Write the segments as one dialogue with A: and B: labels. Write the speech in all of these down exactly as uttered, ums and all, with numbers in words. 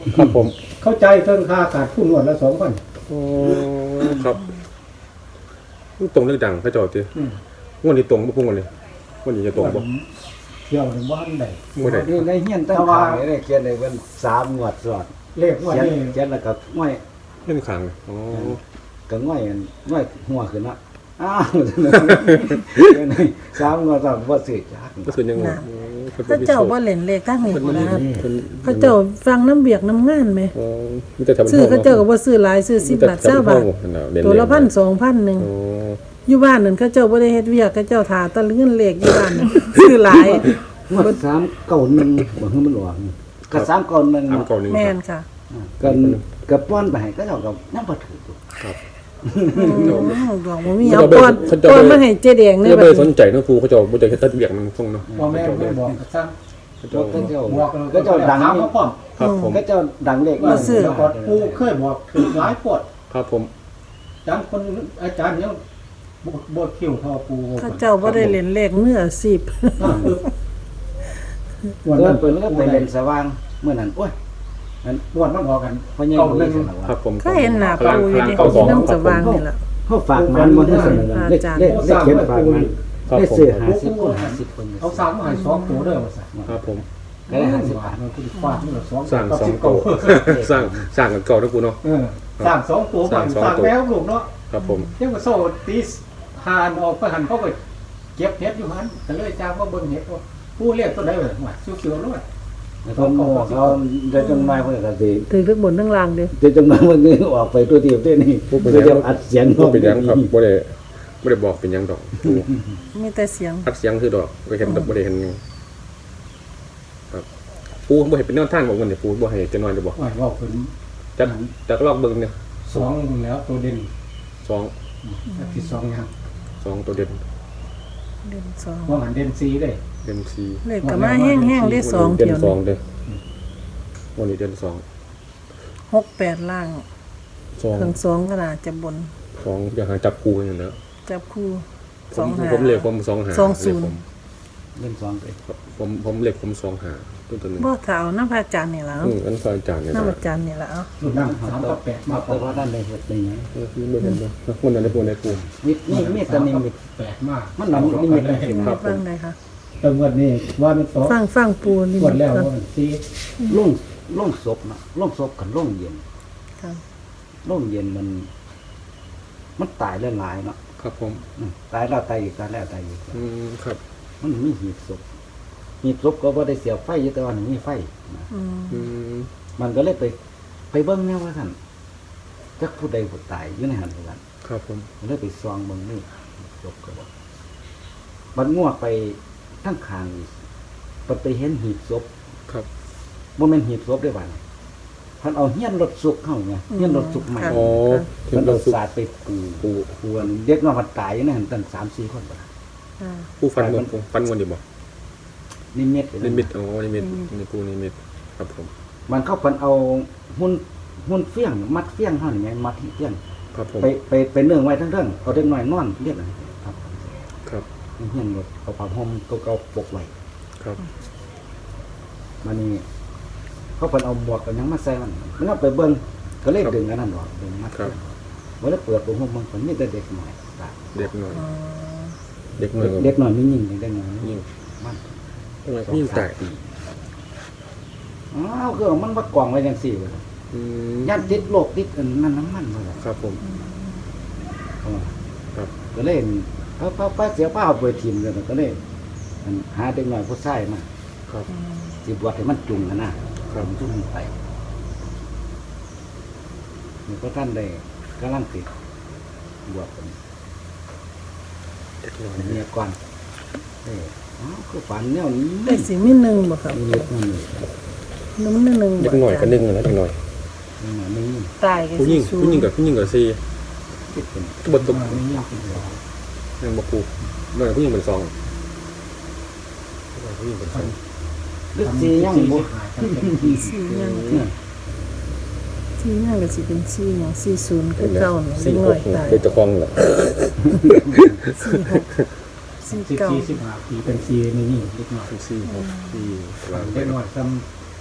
A: ครับผม
B: เข้าใจเทิงค่าขาดผู้นวดละสองพัน
A: โอ้ครับตรงเรื่องดังพระเจ้าตีงวดนี้ตรงบ่พุ่งกันเลยงวดนี้จะตรงบ่
B: เที่ยวในบ้านใด
A: บ่ได้
C: นี่ในเฮียนตั้งขายได้เขียนได้เป็นสามงวดสอด
B: เลขว่า
C: เขียน
B: นี่
C: เขียนแล้วก็ง่อย
A: เรื่องขังอ๋อ
C: ก็ง่อยง่อยหัวขึ้นละอ้าวสามงวดสามบ่ซื้อจัก
A: ก็คือยังไง
D: พระเจ้าบ่เล่นเลขทางนี้
A: เพิ่น
D: นะ
A: เพิ่น
D: พระเจ้าฟังน้ำเบียกน้ำงานไหม
A: อ๋อมีแต่ทำ
D: ซื้อพระเจ้าก็บ่ซื้อหลายซื้อสิบบาทเก้าบาทตัวละพันสองพันหนึ่ง
A: โอ้
D: อยู่บ้านนั่นเขาเจ้าบ่ได้เฮ็ดเวียกเขาเจ้าถาแตะเงินเลขอยู่บ้านนั่นซื้อหลาย
C: งวดสามเก้าหนึ่งบ่คือมันออกก็สามเก้าหนึ่ง
A: สามเก้าหนึ่ง
D: แม่นค่ะ
C: กันก็ป้อนไปให้ก็เจ้าก็ยังบ่ถือ
A: ครับ
D: อืมดอกบ่มีเอาก่อนก่อนมาให้เจ๊แดง
A: ไม่
D: เนี่ย
A: ได้
D: บัด
A: สน
D: นี้
A: ใจนะครูเขาจะบ่ได้เฮ็ดตัดเบียกมันส่งเนาะ
B: พ่อแม่ไม่บอกก็ซ้
A: เขา
C: ก็
A: จะ
C: เจ้า
B: ำบอก
C: ก็เจ้าดัง
B: ถามเขาพร้อม
A: ครับผม
C: ก็เจ้าดังเลข
B: ว่าแล้วก็ปูเคยบอกถึงหลายปวด
A: ครับผม
B: อาจารย์คนอาจารย์เนี่ยบทบทคิวทอปู
D: เขาเจ้าบ่ได้เล่นเลขเนื้อสิบ
B: วัน
C: เดิ
B: นั้น น
C: เปิดแล้วก็ไปเล่นสว่างเมื่อนั้นโอ้ย
B: วันมันบอกกัน
C: พ่อใหญ่
B: เก้า
C: บ่
B: ห
C: ได้
B: นึ่ง
C: สนว่า
A: ครับผม
D: ก็เห็นหน้า
A: พลัง
D: ปู่อยู่
A: พลัง
D: ดิ
A: เก้าสอง
D: น้ำสว่างนี่ล่ะ
C: เขาฝากมันบ่ได้สนว่าเลขเลขเลขเขียนฝากมันได้ซื้อห้าสิบคนห้าสิบคน
B: เอาสามมาให้สองตัวเด้อว่าสั่น
A: ครับผม
C: ก็ได้ห้าสิบบาท
B: มันคือฟาดมันละสอง
A: สร้างสอง
B: เก้า
A: โตสร้างสร้างกันเก่านะครูเนาะ
B: เออสร้างสองตัว
A: สร้างสอง
B: สร้าง
A: ตัว
B: แล้วลูกเนาะ
A: ครับผม
B: เจ้าก็โซ่ตีหานออกไปหันเขาก็เก็บเห็ดอยู่หันก็เลยจ้างว่าเบิ่งเห็ดว่าผู้เรียกตัวใดเลยว่าเขียวๆด้วย
C: เขาเขาได้จังได๋เพิ่นก็สิ
D: ถึงทึกบนทั้งล่างเด้อ
C: ได้จังได๋มันนี่ออกไปตัวเดียวเด้นี่เพื่อจะอัดเสียง
A: บ่เป็นหยังครับบ่ได้บ่ได้บอกเป็นหยังดอกครู
D: มีแต่เสียง
A: อัดเสียงคือดอกบ่เห็นบ่ได้เห็นหยังครับปูบ่เห็นเป็นแนวทางบอกมันเนี่ยปูบ่ให้จะน้อยได้บ่
B: ว่าว่าเป็น
A: จักจักลอกเบิ่งเนี่ย
B: สองแล้วตัวเด่น
A: สอง
B: ที่สองยัง
A: สองตัวเด่น
D: เดือนสอง
B: ว่าหันเด่นซีเลย
A: เด่นสี่
D: เลขก็มาแห้งๆได้สอง
A: เด่น
D: เที่ยว
A: สอง
D: นี่
A: เด้อวันนี้เด่นสอง
D: หกแปดล่าง
A: สอง
D: ถึงสองขนาดจะบน
A: สองอยากหาจับคู่อย่างนั้น
D: จับคู่
A: ผ
D: สอ
A: ม
D: งหา
A: ผมเลขผมสองหา
D: สองศูนย์
C: เล่นสองไป
A: ผมผมเลขผมสองหาตัวตัวหนึง
D: บ่เท่าน้ำพระอาจารย์นี่ล่ะ
A: อืมอันซอยจานเนี่ย
D: น้ำอาจารย์นี่ล่ะเอา
B: รุ่นนั่งสามกับแปดมา
C: แต่ว่าด้านใดเฮ็ดได้หยัง
A: เออไม่เห็นเลยคนนั้นในปูในปู
C: มีมีมีแต่นิมิต
B: แปดมาก
C: มันหนังนิมิตเลย
A: ครับผ
D: ฟั
A: ม
D: งได้ค่ะ
B: แต่วันนี้ว่าเป็นสอง
D: ฟังฟังปูนี่
B: วันแล้ว
D: ก่อน
B: ว่าเป็นซี
C: ล่งล่งศพนะล่งศพกับล่งเย็น
D: ค่ะ
C: ล่งเย็นมัน มันตายหลายๆเนาะ
A: ครับผม
C: อืมตายแล้วตายอีกตายแล้วตายอีก
A: อืมครับ
C: มันมีหีบศพหีบศพก็บ่ได้เสียบไฟอยู่แต่ว่ามันมีไฟนะ
D: อืม
A: อืม
C: มันก็เลยไป ไปเบิ่งแนวว่าซั่นจักผู้ใดผู้ตายอยู่ในหันเหมือนกัน
A: ครับผม
C: มันเลยไปซองเบิ่งนี่ศพก็บ่มันงัวไปทั้งข้างอีกมันไปเห็นหีบศพ
A: ครับ
C: บ่แม่นหีบศพได้อบัดนี้เพันเอาเฮียนรถสุกเข้าไงเฮียนรถสุกใหม่
A: อ๋อถึ
C: มั
A: ง
C: น
A: เรา
C: เอา
A: สุก
C: สาดไปปู
A: ปู
C: ปูอันเด็กน้อยมันตายอยู่ในหันตั้งสามสี่คนบ่ล่ะ
D: อ่า
A: ปูฟันมันปูฟันวันเดียวบ่
C: นิมิต
A: นิมิตอ๋อนิมิตในปูนิมิตครับผม
C: มันเข้าเพันเอาหุ่นหุ่นเฟี้ยงมัดเฟี้ยงเฮานี่ไงมัดเฟี้ยง
A: ครับผม
C: ไปไปไปเนื่องไว้ทั้งเรื่องเอาเด็กน้อยนอนเรียกอะไรครับ
A: ครับ
C: เฮียนรถเอาผ้าห่มเก่าๆปกไว้
A: ครับ
C: มานี่เขาเพิ่นเอาหมวกกันหยังมาใส่มันมันเอาไปเบิ่งก็เลยดึงอันนั้นออกดึงมัดเฟี้ยงบ่ได้เปิดผ้าห่มมันเพิ่นมีแต่เด็กน้อยตาย
A: เด็กหน่อย
D: อ๋อ
A: เด็กหน่อย
C: เด็กน้อยมีหญิงเด็กน้อยมีหญิ
A: ยิ่
C: ง
A: ง
C: มัน
A: ยิ่งแตก
C: อ้าวคือมันมากองไว้จังซี่เว้ย
A: อืม
C: ย่านติดโรคติดอันนั้นน้ำมันเลย
A: ครับผม ครับ
C: ก็เลยป้าป้าป้าเสียป้าเอาไปทีมเลยก็เลยอันหาเด็กน้อยผู้ชายมา
A: ครับ
C: สิบวชให้มันจุงกันนะครับ จุงมันไปนี่ก็ท่านได้กำลังติดบวชกัน
A: เด็กหน่อย
C: เมียก่อนเอออ้าวคือฝันแนวนี้
D: ได้สิมีหนึ่งบ่ครับ
C: มีเล็กนั่นเลย
D: น้ำหนึ่งหนึ่ง
A: เด็กหน่อยก็นึ่งนะเด็กหน่อย
C: มีหน่อยไม่ยิ่ง
D: ตายกัน
A: ผู้หญิง
D: สิ
A: ผู้หญิงกับผู้หญิงกับซี
C: คิดเป็น
A: บทตก
C: ไม่ยิ่งเป็นหัว
A: ยังบอกปูหน่อยผู้หญิงเป็นซองหน่อยผู้หญิงเป็นซอง
C: ลึกซียังบุ
D: สี่ยังสี่ยังก็สิเป็นสี่ยังสี่ศูนย์คือเก่าเนี่ย
A: สี่
D: เล็ก
A: ห
D: น้อก ยตาย
A: เป็นเจ้าของเหรอ
D: สี่หกสี่
B: สิบ
D: เก้า
B: สี่สิบห้าปีเป็นซีนี่นี่เล็กน้อย
A: สี่หกสี่กลาง
B: เล็กน้อยซ้
D: อ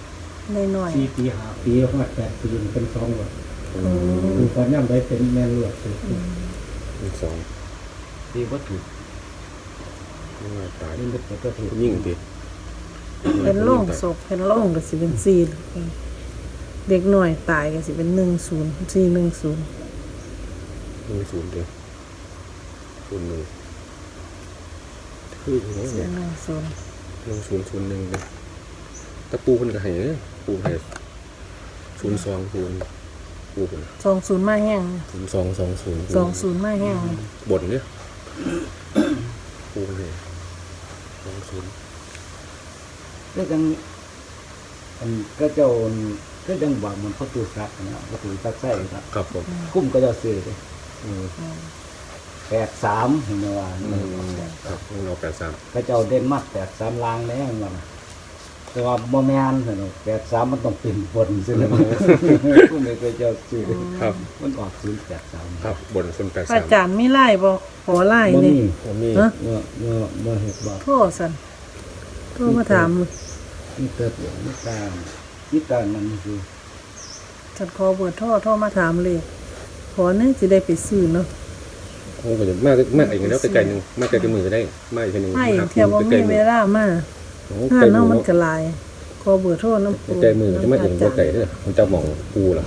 D: น้อย
B: สี่ปีห้าปีห้าแปดปีเป็นสองหลวด
A: อื
D: ๆอื
A: ม
D: ม
B: คือตอนย่ำได้เป็นแม่หลวดเลย
A: มีสอง
C: ดีบ่ถูก
A: นี่ว่าตาย
C: นี่นึกว่าตัวถูก
A: ยิ่งติ
D: เป็นโล่งศพเป็นโล่งก็สิเป็นสี่เด็กน้อยตายก็สิเป็นหนึ่งศูนย์สี่หนึ่งศูนย์
A: หนึ่งศูนย์เดียวศูนย์หนึ่งคืออย่างนี้
D: สี่
A: เนี่ย
D: หนึ่งศูนย์
A: หนึ่งศูนย์ศูนย์หนึ่งเลยตะปูคนก็ให้เนี่ยปูให้ศูนย์สองศูนย์ปูคน
D: สองศูนย์มาแห้ง
A: ศูนย์สองสองศูนย์
D: สองศูนย์มาแห้ง
A: บนเนี่ยปูคนให้สองศูนย์
C: ก็จังอันก็เจ้าก็จังบอกมันประตูซักนะประตูซักใส่ครับ
A: ครับผม
C: คุ้มก็จะซื้อเลย
A: อืม
C: แปดสามเห็นไหมว่า
A: อืมครับเราแปดสาม
C: ก็เจ้าเด่นมากแปดสามลางแล้วมันแต่ว่าบ่แม่นเห็นไหมแปดสามมันต้องเป็นบนใช่ไหมคุ้มเลยก็เจ้าซื้อ
A: ครับ
C: มันออกศูนย์แปดสาม
A: ครับบนศูนย์แปด
D: พระ
A: สาม
D: อาจารย์มีไล่บ่ขอไล่
C: บ่
D: นี่
C: มี
A: ผมมี
D: ฮะ
C: เมื่อเมื่อเมื่อเห็ดบอก
D: โทษสันโทษมาถาม
C: นี่เกิดอย่างนี้การนี่การมันคือ
D: ฉันขอเบอร์โทษโทษมาถามเลยขอเนี่ยสิได้ไปซื้อเนาะ
A: ผมก็จะมากมากอีกแล้วไกลๆหนึ่งมากไกลๆมือก็ได้มากอีกหนึ่ง
D: ไม่
A: ครับ
D: เทียบว่า
A: ไกล
D: มี
A: ๆมื
D: เว
A: อ
D: ลามา
A: โอ้
D: ถ้า
A: ไกล
D: เนาะ
A: มื
D: มั
A: อน
D: ก็หลายขอเบอร์โทษน้ำปู
A: ไกลมือจะไม่เองว่าไกลเด้อมันจะมองปูเหรอ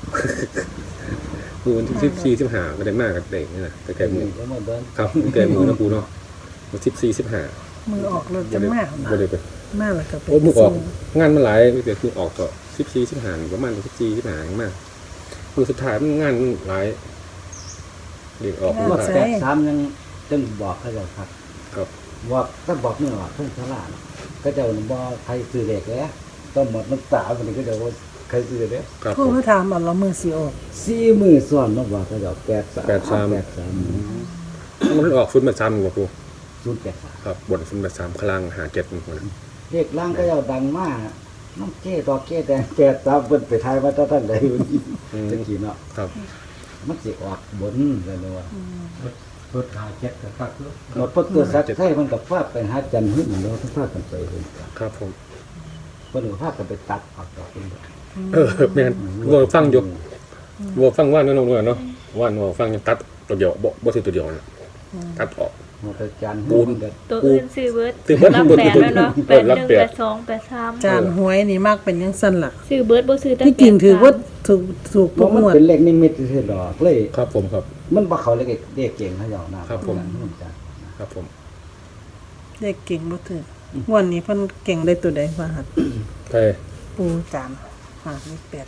A: ปูมันสิบสี่สิบห้าไม่ได้มากกับเด็กนี่นะไกลๆมือ
C: ก็มาเดิน
A: ครับไกลมือนะปูเนาะมันสิบสี่สิบห้า
D: มือออกรถจะมาก
A: บ่ได้ไป
D: มากแล้วก็ไป
A: โอ้มือออก
D: ซื้
A: งานมันหลายเดี๋ยวคือออกก็สิบสี่สิบห้าประมาณสิบสี่สิบห้าอย่างมากมือสุดท้ายมันงานหลายเด็กออก
C: ว่า
A: หลาย
C: แปดสามยังจึงบอกเขาจะครับ
A: ครับ
C: บอกก็บอกเมื่อว่าเพิ่งฉลาดก็จะบอกใครซื้อเด็กแล้วต้องหมดน้ำตาวันนี้ก็จะว่าใครซื้อเด็ก
A: ครับ
D: โทษมาถามเอาเรามือสิออก
C: สี่มือซ้อนน้องบอกเขาจะแปดสาม
A: แปดสาม
C: แปดสาม
A: มันออกฟุตมาซ้ำกว่าปู
C: ศูนย์แปดสาม
A: ครับบนฟุตมาซ้ำคลังหาเก็ดมันนะ
C: เด็กล่างก็จะดังมากน้องเก้ดอกเก้แต่แปดสามเพิ่นไปทายว่าท่านใดอยู่นี่ตะกี้เนาะ
A: ครับ
C: มันสิออกบนเลยนะว่า
B: รถหาเจ็ดกับคักเนอะ
C: หมดประตูสักไทยมันกับฟาดไปหาจันทร์หึ่งเนาะทั้งฟาดกันไปเลย
A: ครับผม
C: เพิ่นก็ฟาดกันไปตัดออกดอกเป็น
A: เออแม่นวัวฟังอยู่วัวฟังว่านน้องๆเนาะว่านวัวฟังยังตัดตัวเดียวบ่บ่สิตัวเดียวนะตัดออก
C: หมดแต่จันทร์
A: ปู
C: หึ่
A: น
C: งก็
E: ตัวอื่นซื้อเบิร์ด
A: ซื้อเบิด
E: รับ
A: เบิด
E: แปด
A: เบิด
E: แล้วเนาะ
A: เบิ
E: แป
A: ด
E: ด
A: รับ
E: หนึ่ง
A: แปด
E: แปดสองแปดสาม
D: จานหวยนี่มากเป็นยังสั้นล่ะ
E: ซื้อเบิร์ดบ่ซื้อแต่
D: ที่จริงถือว่าถูกถูก
C: เพ
D: ทุ
C: ราะ
D: ก
C: มัน
D: งวด
C: เป็นเลขนิมิตซื่อๆดอกเลย
A: ครับผมครับ
C: มันบ่เข้าเลขเด็กเก่งเขาเจ้านะครับ
A: ผม
C: จ้ะ
A: ครับผม
D: เด็กเก่งบ่ถือวันนี้เพิ่นเก่งได้ตัวใดว่าหัด
A: ไป
D: ปูจานหามีแปด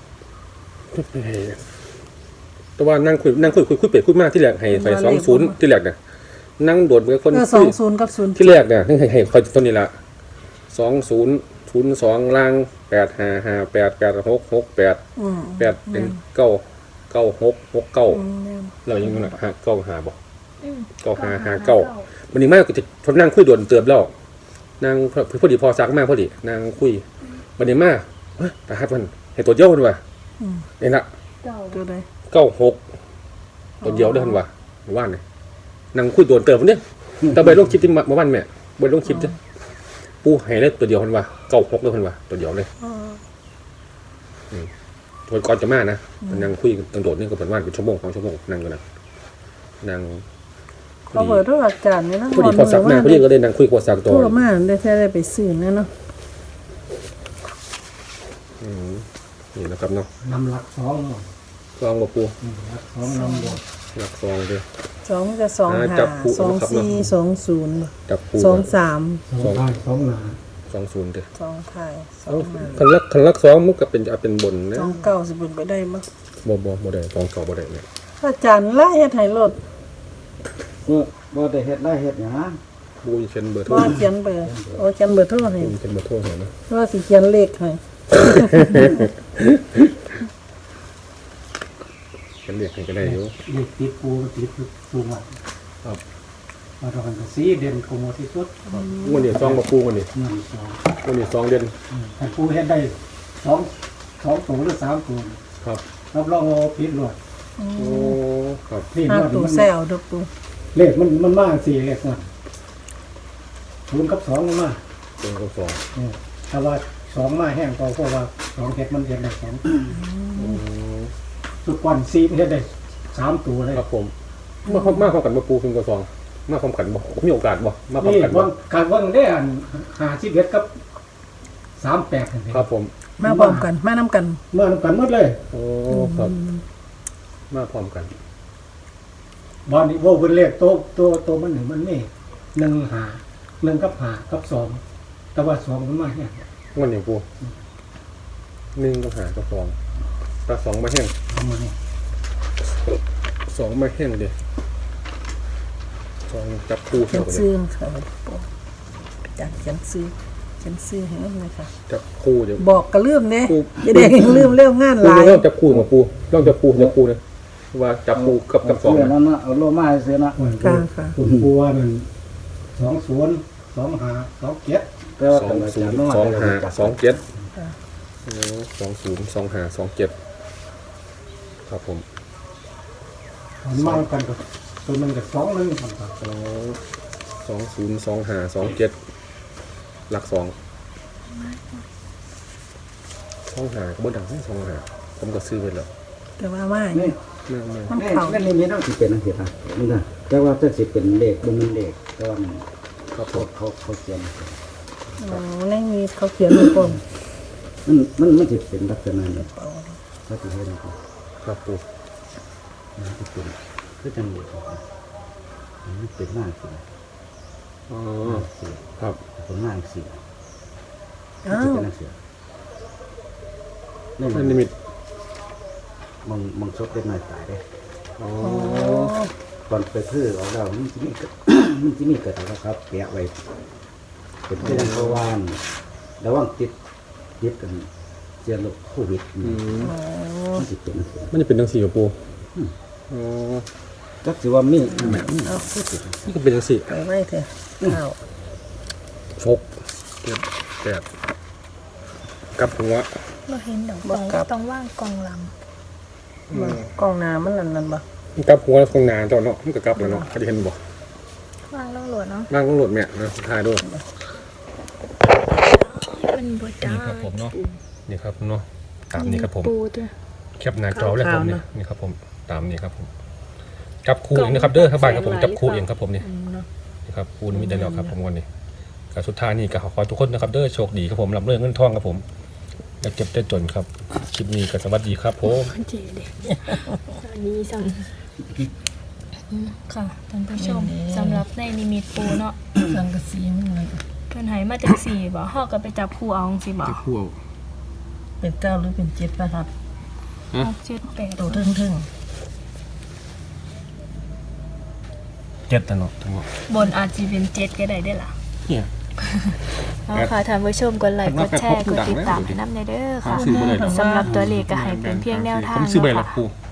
A: แต่ว่านั่งคุยนั่งคุยคุยคุยเป็ดคุยมากที่แรกให้ไฟสองศูนย์ที่แรกเนี่ยนั่งโดดเหมือนคน
D: เออสองศูนย์กับศูนย์
A: ที่แรกเนี่ยให้ให้ให้คอยต้นนี้ละสองศูนย์ศูนย์สองล่างแปดห้าห้าแปดแปดหกหกแปด
D: อืม
A: แปดเป็นเก้าเก้าหกหกเก้า
D: อืมแม่น
A: เรายังไงหาเก้าหาบอก
E: อืม
A: เก้าหาหาเก้าวันนี้มากก็จะทนนั่งคุยโดนเติมแล้วนางพอพอดีพอซักมากพอดีนางคุยวันนี้มากเฮ้ยตาฮัดมันให้ตัวเดียวมันว่ะ
D: อืม
A: นี่ละ
E: เก่า
D: ตัวใด
A: เก้าหกตัวเดียวได้ทันว่ะว่านเลยนางคุยโดนเติมวันนี้แต่ใบลงคลิปที่มาบ้านแม่ใบลงคลิปจ้ะปูให้เลยตัวเดียวทันว่ะเก้าหกเลยทันว่ะตัวเดียวเลย
D: อ๋อ
A: ตัวก่อนจะมานะนางคุยตังโดดนี่ก็เป็นว่านเป็นชั่วโมงสองชั่วโมงนั่งกันนะนาง
D: เขาเปิดโทรอาจารย์นี่นะ
A: พอดีพอสักมาพอดีก็เลยนางคุยพอสัก
D: โท
A: ตัว
D: รมาได้แท้ได้ไปซื้อแน่เนาะ
A: อืมนี่นะครับเนาะ
B: นำหลักสองเนาะ
A: ซองบ่ปู
B: อืมหลักสองนำบวก
A: หลักซองเลย
D: สองจะสอง
A: อ่า
D: หา
A: จับคู่
D: สอง
A: นะครับเนาะ
D: สี่สองศูนย์
A: จับปู
D: สองสาม
B: สองท้ายสองหนา
A: สองศูนย์เด้อ
D: สองไทยสอ
A: เอา
D: งหา
A: คันลักคันลักสองมุกก็เป็นจะเป็นบนนะ
D: สองเก้าสิบเป็นไปได้มั้ง
A: บ่บ่บ่ได้สองเก่าบ่ได้เนี่ย
D: อาจารย์ไล่เฮ็ดให้รถ
C: เมื่อบ่ได้เฮ็ดไรเฮ็ดหยัง
A: ปูจะเขียนเบอร์โทร
D: ว่าเขียนเบอร์โอ้เขียนเบอร์โทรให้
A: ปูเขียนเบอร์โทรให้นะ
D: ว่าสิเขียนเลขให้
A: เขียนเรียกให้ก็ได้อยู่
B: เด็กติดปูมันติดสูงอ่ะ
A: ครับ
B: มาตอนกันสีเด่นกว่าหมดที่สุด
A: วันนี้ซองบ่ปูวันนี้
B: หนึ่งสอง
A: วันนี้ซองเด่น
B: อืมแต่ปูเฮ็ดได้สองสองตัวหรือสามตัว
A: ครับ
B: รับรองว่าผิดหลวด
A: โอ้ครับ
B: นี่
D: ห้า
B: หลวด
D: ตู้
B: มัน
D: แซวดอกปู
B: เลขมันมันมากสี่เลขมันศูนย์กับสองมันมาก
A: เป็นกับสอง
B: เออแต่ว่าสองมาแห้งก็เพราะว่าสองเฮ็ดมันเฮ็ดได้สองสุดก่อนสี่เฮ็ดได้สามตัวเลย
A: ครับผมมาพร้อมมาพร้อมกันมาปูพิมพ์กระซองมาพร้อมกันบ่มีโอกาสบ่มาพร้อม
B: นี่
A: กันบ่
B: ว่างการว่างได้อันหาสิบเอ็ดกับสามแปดนี่
A: ครับผม
D: มาพร้อมกันมานํกัน
B: เมื่อนำกันหมดเลย
A: โอ้ครับมาพร้อมกัน
B: บอลนี่โว้เป็นเลขโตโตโตมันหนึ่งมันนี่หนึ่งหาหนึ่งกับหากับสองแต่ว่าสองมันมาเนี่ย
A: วันนี้ปูหนึ่งกับหากับสองตาสองมาแห้ง
B: ทำมาเนี่ย
A: สองมาแห้งเดียวสองจับคู่
D: เขี
A: เท่าย
D: น
A: กันเล
D: ซื้อย ค่ะจัดเขียนซื้อเขียนซื้อให้มันเลยค่ะ
A: จับคู่เดี๋ยว
D: บอกก็ลืมเด้
A: ปู
D: เด็กๆลืมเร็วงานห
A: ปู
D: ลาย
A: เริ่มจับคู่กับปูเริ่มจับคู่จับคู่นะว่าจับคู่กับกับสอง
C: เา
A: นะ
C: นั่นนะเอาโลมาให้เสียนะ
D: ค่ะค่ะ
B: คุณครูว่ามันสองศูนย์สองหาสองเจ็ด
C: แต่ว่า
A: สอ
C: กั
A: ง
C: นอา
A: ศู
C: จาร
A: น
C: ย์
A: ย์
C: น้อย
A: สองห้าสองเจ็ด
D: ค่ะ
A: สองศูนย์สองห้าสองเจ็ดครับผม
B: มันมากันกับตัวหนึงกับสองหนึงครับ
A: สองสองศูนย์สองห้าสองเจ็ดหลักสองสองห้าก็บ่ดังสองห้าผมก็ซื้อไปแล้ว
D: แต่ว่าไม่
C: นี่
A: แม่แม่
D: มัน
C: นี่
D: เข่า
C: นั่นนี่มีน้องสิเป็นอันเดียวกันนี่นะแต่ว่าถ้าสิเป็นเลขบ่มีเลขแต่ว่ามัน
A: ครับผ
C: เขา
A: ม
C: เขาเขาเขียน
D: อ๋อในมีเขาเขียนลงกลม
C: มันมันมันสิเป็นลักษณะนี้เขาสิเฮ็ดให้เขา
A: ครับปู
C: มันสิเป็นคือจังเลขมันเป็นหน้าสิ
A: อ๋อ
C: สิ
A: ครับ
C: เป็นหน้าสิ
D: อ้า
C: จะ
D: ว
C: เป็นหน้าสินี่
A: นั่นนิมิต
C: มันมันซบเล็กน้อยตายเด้
A: อ๋อ
D: อ๋อ
C: ก่อนไปพื้อออกแล้วมันจะมีเกิด มันจะมีเกิดอะไรครับแปะไว้เป็นเรื่องเพราะว่าระวังติดติดกันเชื้อโรคโควิด
A: อืม
D: อ๋อ
C: มันจะเป็น
A: มันจะเป็นจังสี่กับปูอ๋อ
C: จักสิว่ามีแบบ
D: เอาพูด
A: นี่ก็เป็นจังสี่
D: ไปไว้เถอะอ้าว
A: ชกเจ็ดแปดกับหัว
E: บ่เห็นดอกต้องต้องว่างกองหลัง
D: มากล้องหน้ามันนั่นนั่นบ่
A: กับหัวตรงนานเจ้าเนาะมันก็กลับแล้วเนาะเขาจะเห็นบ่
E: ว่างต้องโหลดเนาะ
A: นั่งต้องโหลดแม่นะทายด้วย
E: มันบ่ได้
A: นี่ครับผมเนาะนี่ครับเนาะตามนี้ครับผม
E: ปูจ้ะ
A: แคปหน้าจอเลยครับผมนี่นี่ครับผมตามนี้ครับผมจับคู่เองนะครับเด้อครับบ้านครับผมจับคู่เองครับผมนี่นี่ครับคู่นี้มีได้แล้วครับผมวันนี้กับสุดท้ายนี่ก็ขอขอทุกคนนะครับเด้อโชคดีครับผมรับเรื่องเงินทองครับผมอย่าเก็บได้จนครับคลิปนี้ก็สวัสดีครับผม
E: เจเด็กอันนี้สั่งอืมค่ะท่านผู้ชมสำหรับในนิมิตปูเนาะ
D: สังกะสีมันนั่น
E: เพิ่นให้มาจากสี่บ่เฮาก็ไปจับคู่เอาจังซี่บ่
A: จับคู่เอา
D: เป็นเก้าหรือเป็นเจ็ดประทัด
E: หกเจ็ดแปด
D: ตัวทึ่งทึ่ง
A: เจ็ดแต่เนาะทั้งหมด
E: บนอาจสิเป็นเจ็ดก็ได้เด้อล่ะ
A: เนี่ย
E: เอาค่ะท่านผู้ชมกดไลค์กดแชร์กดติดตามให้นำเด้อค่ะ
A: ซื้อบ่ได้หรอก
E: สำหรับตัวเลขก็ให้เป็นเพียงแนวทาง
A: ผมซื้อใบหลั
E: เนาะ
A: ก
E: ค่ะ
A: ปู